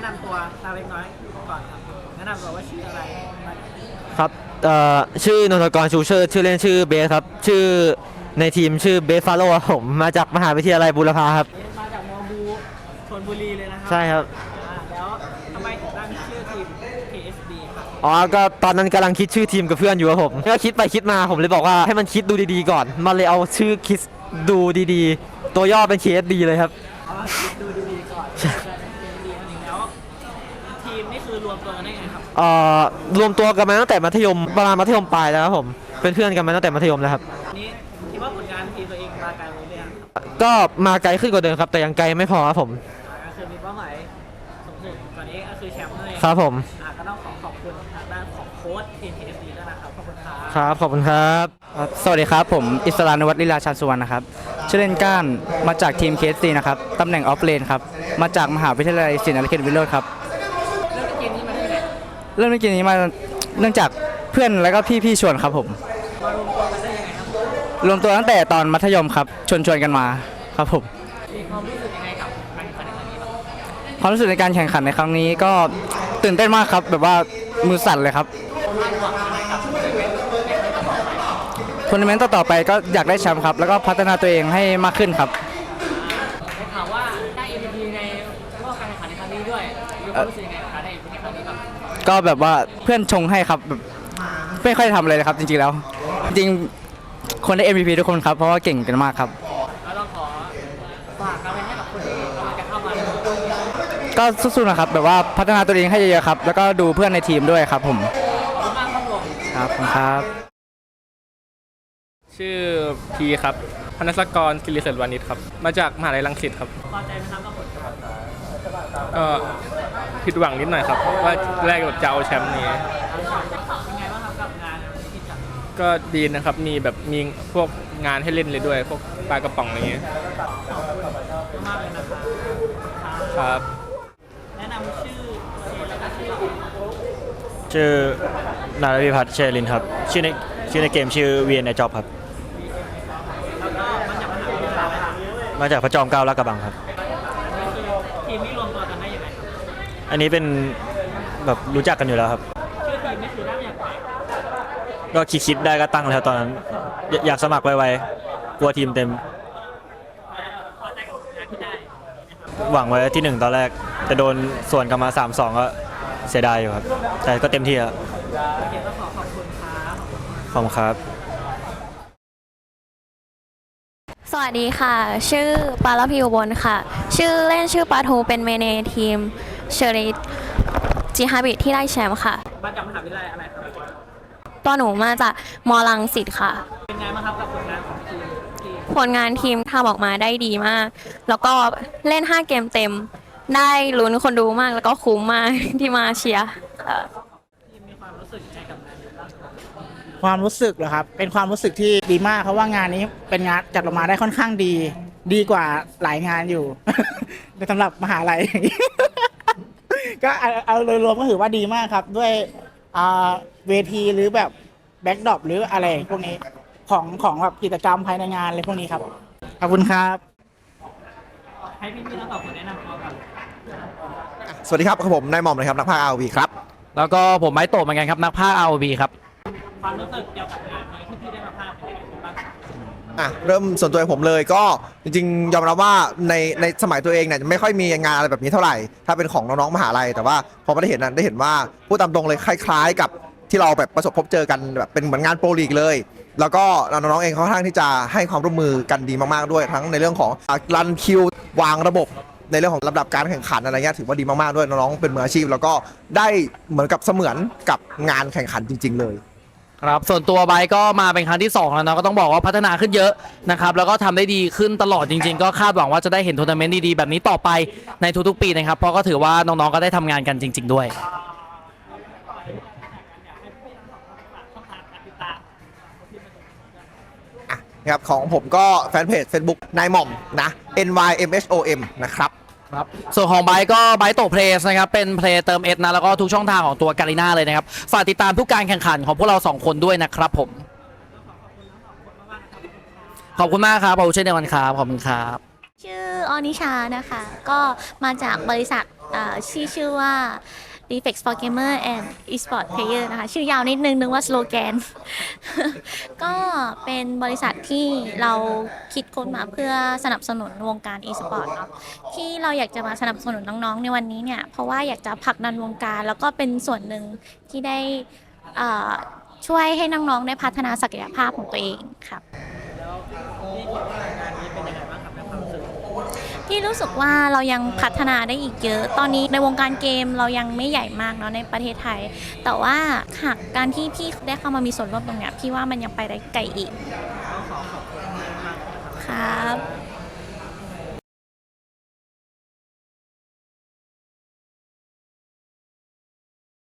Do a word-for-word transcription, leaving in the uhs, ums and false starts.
นำตัวตาเล็กน้อยก่อนครับแนะนำตัวว่าชื่ออะไรครับเอ่อชื่อนนทกรชูเชิดชื่อเล่นชื่อเบสครับชื่อในทีมชื่อเบสฟาโร่ครับผมมาจากมหาวิทยาลัยบูรพาครับมาจากมอบูชลบุรีเลยนะครัใช่ครับแล้วทำไมถึงตั้งชื่อทีม เค เอส ดี ครับอ๋อก็ตอนนั้นกำลังคิดชื่อทีมกับเพื่อนอยู่ครับผมก็คิดไปคิดมาผมเลยบอกว่าให้มันคิดดูดีๆก่อนมันเลยเอาชื่อคิดดูดีๆตัวย่อเป็น เค เอส ดี เลยครับอ๋อคิดดูดีๆก่อนจะเป็น เค เอส ดี นั่นเองแล้วทีมนี่คือรวมตัวกันได้ไงครับเอ่อรวมตัวกันมาตั้งแต่มัธยมประมาณมัธยมปลายแล้วครับผมเป็นเพื่อนกันมาตั้งแต่มัธยมแล้วครับนี้คิดว่าผลงานทีมตัวเองมาไกลหรือยังก็มาไกลขึ้นกว่าเดิมครับแต่ยังไกลไม่พอครับผมก็คือมีเป้าหมายสูงสุดตอนนี้ก็คือแชมป์นั่นเองครับผมก็ต้องขอขอบคุณทางด้านของโค้ชทีม เค เอส ดี ด้วยนะครับขอบคุณครับครับขอบคุณครับสวัสดีครับผมอิสรานวัฒน์ลีลาชาญสุวรรณนะครับชื่อเล่นก้านมาจากทีม เค เอส ดี นะครับตำแหน่งออฟเลนครับมาจากมหาวิทยาลัยศิลปาเขตวิโรจน์ครับเริ่มเกมนี้มาได้ไงเริ่มเกมนี้มาเนื่องจากเพื่อนและก็พี่ๆชวนครับผมมารวมตัวกันได้ยังไงครับรวมตัวตั้งแต่ตอนมัธยมครับชวนชวนกันมาครับผมมีความรู้สึกยังไงกับการแข่งขันในครั้งนี้บ้างความรู้สึกในการแข่งขันในครั้งนี้ก็ตื่นเต้นมากครับแบบว่ามือสั่นเลยครับทัวร์นาเมนต์ต่อๆไปก็อยากได้แชมป์ครับแล้วก็พัฒนาตัวเองให้มากขึ้นครับได้ข่าวว่าได้ เอ็ม วี พี ในรอบการแข่งขันในครั้งนี้ด้วยมีความรู้สึกยังไงกับการได้ เอ็ม วี พี ในครั้งนี้บ้างก็แบบว่าเพื่อนชงให้ครับแบบไม่ค่อยทำอะไรเลยครับจริงๆแล้วจริงคนได้ เอ็ม วี พี ทุกคนครับเพราะว่าเก่งกันมากครับแล้วเราขอฝากอะไรให้กับคนที่กำลังจะเข้ามาก็สู้ๆนะครับแบบว่าพัฒนาตัวเองให้เยอะๆครับแล้วก็ดูเพื่อนในทีมด้วยครับผมขอบคุณมากครับผมครับครับชื่อพีครับพนัสกรกิริเศรษฐ์วานิชครับมาจากมหาลัยรังสิตครับพอใจไหมครับกับผลก็ผิดหวังนิดหน่อยครับว่าแรกแบบจะเอาแชมป์นี้เป็นไงบ้างครับกับงานที่จัดก็ดีนะครับมีแบบมีพวกงานให้เล่นเลยด้วยพวกปลากระป๋องอะไรเงี้ยมากเลยนะครับครับแนะนำชื่อแล้วก็ชื่อชื่อนายรวิพัฒน์เชลินครับชื่อในชื่อในเกมชื่อเวียนในจ็อบครับมาจากพระจอมเกล้าลาดกระบังครับทีมนี้รวมตัวกันได้ยังไงครับอันนี้เป็นแบบรู้จักกันอยู่แล้วครับชื่อทีมนี่คือได้อย่างไรก็คิดคิดได้ก็ตั้งแล้วตอนนั้นอยากสมัครไวๆกลัวทีมเต็มหวังไว้ที่หนึ่งตอนแรกจะโดนส่วนกลับมา สามสอง ก็เสียดายอยู่ครับแต่ก็เต็มที่ครับขอบคุณครับขอบคุณครับสวัสดีค่ะชื่อปาลพิวบนค่ะชื่อเล่นชื่อปาทูเป็นเมเนทีมเชอริจิฮาบิที่ได้แชมป์ค่ะมาจากมหาวิทยาลัยอะไรครับตัวหนูมาจากมอลังสิตค่ะเป็นไงบ้างครับกับผลงานของทีมผลงานทีมทำออกมาได้ดีมากแล้วก็เล่นห้าเกมเต็มได้ลุ้นคนดูมากแล้วก็คุ้มมากที่มาเชียร์ทีมมีความรู้สึกยังไงกับงานนี้บ้างความรู้สึกเหรอครับเป็นความรู้สึกที่ดีมากเพราะว่างานนี้เป็นงานจัดออกมาได้ค่อนข้างดีดีกว่าหลายงานอยู่ สำหรับมหาลัย ก็เอาโดยรวมก็ถือว่าดีมากครับด้วยเวทีหรือแบบแบ็คดรอปหรืออะไรพวกนี้ของของแบบกิจกรรมภายในงานอะไรพวกนี้ครับขอบคุณครับให้พี่พี่ทั้งสองคนแนะนำตัวกันสวัสดีครับผมนายหม่อมนะครับนักพากย์ อาร์ โอ วี ครับแล้วก็ผมไม้โตเหมือนกันครับนักพากย์ อาร์ โอ วี ครับความรู้สึกเกี่ยวกับงานนี้ที่พี่ได้มาพากย์เป็นยังไงบ้างอ่ะเริ่มส่วนตัวผมเลยก็จริงๆยอมรับว่าในในสมัยตัวเองเนี่ยไม่ค่อยมีงานอะไรแบบนี้เท่าไหร่ถ้าเป็นของน้องๆมหาลัยแต่ว่าพอมาได้เห็นนั้นได้เห็นว่าพูดตามตรงเลยคล้ายๆกับที่เราแบบประสบพบเจอกันแบบเป็นเหมือนงานโปรลีกเลยแล้วก็น้องๆเองเขาค่อนข้างที่จะให้ความร่วมมือกันดีมากๆด้วยทั้งในเรื่องของรันคิววางระบบในเรื่องของลำดับการแข่งขันอะไรเงี้ยถือว่าดีมากๆด้วยน้องๆเป็นมืออาชีพแล้วก็ได้เหมือนกับเสมือนกับงานแข่งขันจริงๆเลยครับส่วนตัวไบก็มาเป็นครั้งที่สองแล้วเนาะก็ต้องบอกว่าพัฒนาขึ้นเยอะนะครับแล้วก็ทำได้ดีขึ้นตลอดจริงๆก็คาดหวังว่าจะได้เห็นทัวร์นาเมนต์ดีๆแบบนี้ต่อไปในทุกๆปีนะครับเพราะก็ถือว่าน้องๆก็ได้ทำงานกันจริงๆด้วยนะครับของผมก็แฟนเพจ Facebook นายหม่อมนะ N Y M H O M นะครับครับส่วนของไบก็ไบโตเพลสนะครับเป็นเพลย์เติมเอสนะแล้วก็ทุกช่องทางของตัวการีน่าเลยนะครับฝากติดตามทุกการแข่งขันของพวกเราสองคนด้วยนะครับผมขอบคุณมากครับขอบคุณเช่นเดียวกันครับขอบคุณครับชื่ออนิชานะคะก็มาจากบริษัทอ่าชื่อชื่อว่า Defect for Gamer and Esport Player นะคะ ชื่อยาวนิดนึงนึกว่าสโลแกน ก็เป็นบริษัทที่เราคิดค้นมาเพื่อสนับสนุนวงการ e-sport เนาะที่เราอยากจะมาสนับสนุนน้องๆในวันนี้เนี่ย เพราะว่าอยากจะผลักดันวงการ แล้วก็เป็นส่วนหนึ่งที่ได้อ่าช่วยให้น้องๆได้พัฒนาศักยภาพของตัวเองครับ ที่รู้สึกว่าเรายังพัฒนาได้อีกเยอะ ตอนนี้ในวงการเกมเรายังไม่ใหญ่มากเนาะในประเทศไทย แต่ว่าหากการที่พี่ได้เข้ามามีส่วนร่วมตรงเนี้ยพี่ว่ามันยังไปได้ไกลอีกครับ